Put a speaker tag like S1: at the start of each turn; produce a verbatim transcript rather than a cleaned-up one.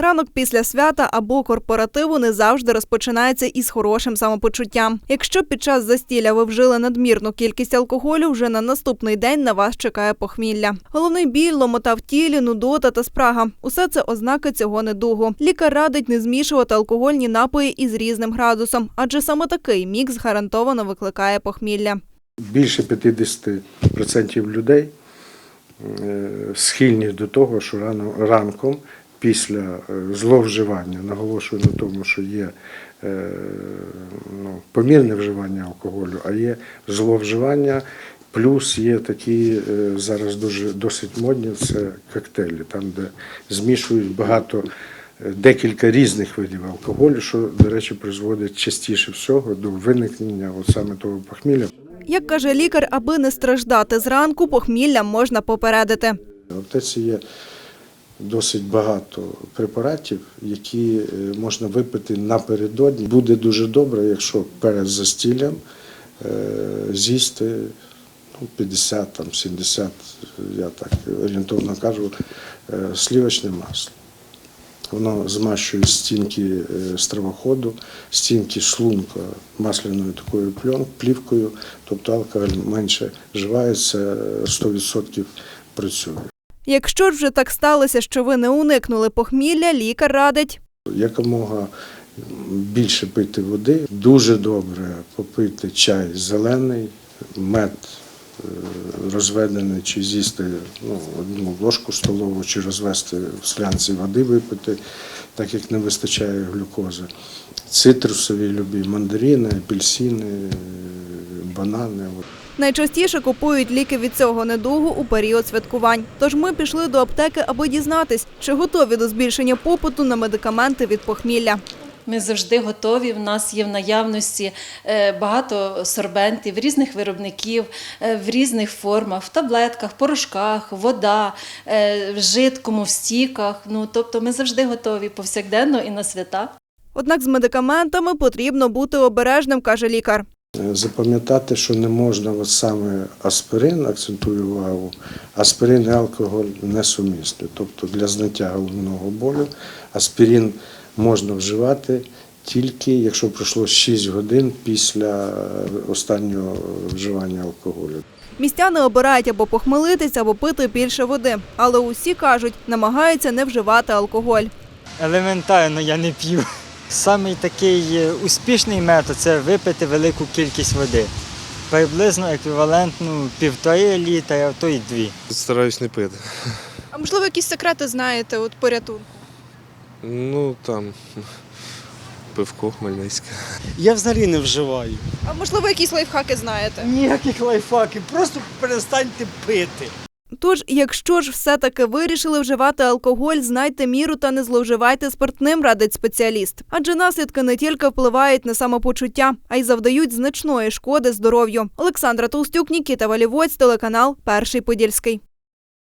S1: Ранок після свята або корпоративу не завжди розпочинається із хорошим самопочуттям. Якщо під час застілля ви вжили надмірну кількість алкоголю, вже на наступний день на вас чекає похмілля. Головний біль, ломота в тілі, нудота та спрага – усе це ознаки цього недугу. Лікар радить не змішувати алкогольні напої із різним градусом, адже саме такий мікс гарантовано викликає похмілля.
S2: Більше п'ятдесят відсотків людей схильні до того, що рано, ранком після зловживання, наголошую на тому, що є ну, помірне вживання алкоголю, а є зловживання, плюс є такі зараз дуже досить модні, це коктейлі, там де змішують багато, декілька різних видів алкоголю, що, до речі, призводить частіше всього до виникнення от саме того похмілля.
S1: Як каже лікар, аби не страждати зранку, похмілля можна попередити.
S2: В аптеці є досить багато препаратів, які можна випити напередодні. Буде дуже добре, якщо перед застіллям з'їсти ну, п'ятдесят, там, сімдесят, я так орієнтовно кажу, сливочне масло. Воно змащує стінки стравоходу, стінки шлунка масляною такою плівкою, тобто алкоголь менше вживається, сто відсотків працює.
S1: Якщо ж вже так сталося, що ви не уникнули похмілля, лікар радить
S2: якомога більше пити води, дуже добре попити чай зелений, мед розведений, чи з'їсти ну, одну ложку столову, чи розвести в склянці води, випити, так як не вистачає глюкози. Цитрусові любі, мандарини, апельсини, банани.
S1: Найчастіше купують ліки від цього недугу у період святкувань. Тож ми пішли до аптеки, аби дізнатись, чи готові до збільшення попиту на медикаменти від похмілля.
S3: Ми завжди готові, в нас є в наявності багато сорбентів, різних виробників, в різних формах, в таблетках, порошках, вода, в жидкому, в стіках. Ну, тобто ми завжди готові повсякденно і на свята.
S1: Однак з медикаментами потрібно бути обережним, каже лікар.
S2: Запам'ятати, що не можна от саме аспирин, акцентую увагу, аспирин і алкоголь несумісні. Тобто для зняття головного болю аспирин можна вживати тільки, якщо пройшло шість годин після останнього вживання алкоголю.
S1: Містяни обирають або похмелитись, або пити більше води. Але усі, кажуть, намагаються не вживати алкоголь.
S4: Елементарно я не п'ю. Самий такий успішний метод – це випити велику кількість води. Приблизно еквівалентну півтори літра, а то й дві.
S5: Стараюсь не пити.
S6: А можливо, якісь секрети знаєте от порятунку?
S5: Ну, там, пивко хмельницьке.
S7: Я взагалі не вживаю.
S6: А можливо, якісь лайфхаки знаєте?
S7: Ніяких лайфхаків, просто перестаньте пити.
S1: Тож, якщо ж все-таки вирішили вживати алкоголь, знайте міру та не зловживайте спиртним, радить спеціаліст. Адже наслідки не тільки впливають на самопочуття, а й завдають значної шкоди здоров'ю. Олександра Толстюк, Нікіта Валівоць, телеканал «Перший Подільський».